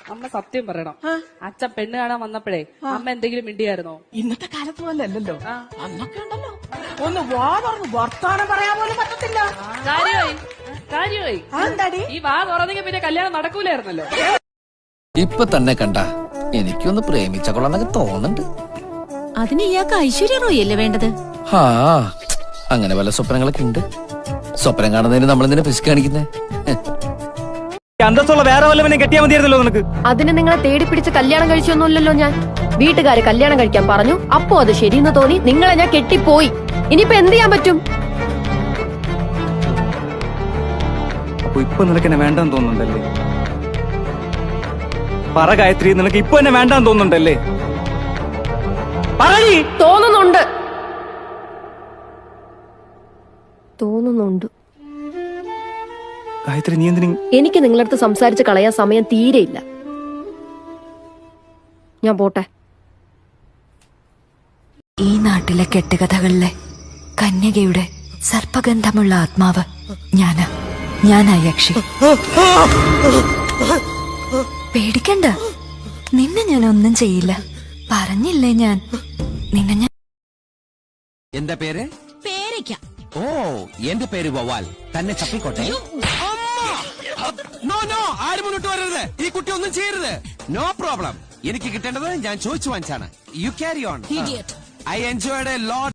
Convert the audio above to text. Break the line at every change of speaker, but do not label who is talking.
അമ്മ സത്യം പറയണം. അച്ഛൻ പെണ്ണ് കാണാൻ വന്നപ്പോഴേ അമ്മ എന്തെങ്കിലും മിണ്ടിയായിരുന്നോ?
ഇന്നത്തെ കാലത്ത് പോലെ അല്ലല്ലോ, അന്നൊക്കെ ഉണ്ടല്ലോ ഒന്ന് വാ പറഞ്ഞു വർത്താനം പറയാൻ പോലും പറ്റത്തില്ല.
കാര്യമായി ഈ വാ തുറന്നെങ്കിൽ പിന്നെ കല്യാണം നടക്കൂലായിരുന്നല്ലോ.
ഇപ്പൊ തന്നെ കണ്ട എനിക്കൊന്ന് പ്രേമിച്ച കൊള്ളാന്നൊക്കെ തോന്നുന്നുണ്ട്.
അതിന് ഇയാൾക്ക് ഐശ്വര്യ റോയ് അല്ലേ വേണ്ടത്?
ആ അങ്ങനെ പല സ്വപ്നങ്ങളൊക്കെ ഉണ്ട്. സ്വപ്നം കാണുന്നതിന് നമ്മളെന്തിനാ പിശുക്ക് കാണിക്കുന്നേ?
അന്തസ്സുള്ള വേറെ വല്ലവനെ കെട്ടിയാ മതിയായിരുന്നല്ലോ നിനക്ക്.
അതിന് നിങ്ങളെ തേടി പിടിച്ച് കല്യാണം കഴിച്ചൊന്നുമില്ലല്ലോ ഞാൻ. വീട്ടുകാര് കല്യാണം കഴിക്കാൻ പറഞ്ഞു, അപ്പോ അത് ശരിയെന്ന് തോന്നി നിങ്ങളെ ഞാൻ കെട്ടിപ്പോയി. ഇനിയിപ്പോ എന്ത് ചെയ്യാൻ പറ്റും?
അപ്പൊ ഇപ്പൊ നിനക്ക് എന്നെ വേണ്ടെന്ന് തോന്നുന്നുണ്ടല്ലേ? പറ ഗായത്രി, നിനക്ക് ഇപ്പൊ എന്നെ വേണ്ടെന്ന് തോന്നുന്നുണ്ടല്ലേ?
തോന്നുന്നുണ്ട്.
ഗായത്രി നീ എന്തിനും
എനിക്ക് നിങ്ങളടുത്ത് സംസാരിച്ച് കളയാൻ സമയം തീരെയില്ല. ഞാൻ പോട്ടെ.
ഈ നാട്ടിലെ കെട്ടുകഥകളിലെ കന്യകയുടെ സർപ്പഗന്ധമുള്ള ആത്മാവ് ഞാനാ യക്ഷി. പേടിക്കണ്ട, നിന്നെ ഞാൻ ഒന്നും ചെയ്യില്ല. പറഞ്ഞില്ലേ ഞാൻ നിന്നെ
എന്താ പേര്?
പേരയ്ക്ക.
ഓ എന്റെ പേര് വവാൽ. തന്നെ ചപ്പിക്കോട്ടെ. നോ നോ, ആരും മുന്നോട്ട് വരരുത്. ഈ കുട്ടി ഒന്നും ചെയ്യരുത്. No problem. എനിക്ക് കിട്ടേണ്ടത് ഞാൻ ചോദിച്ചു വാങ്ങിച്ചാണ്. You carry on. I enjoyed a lot.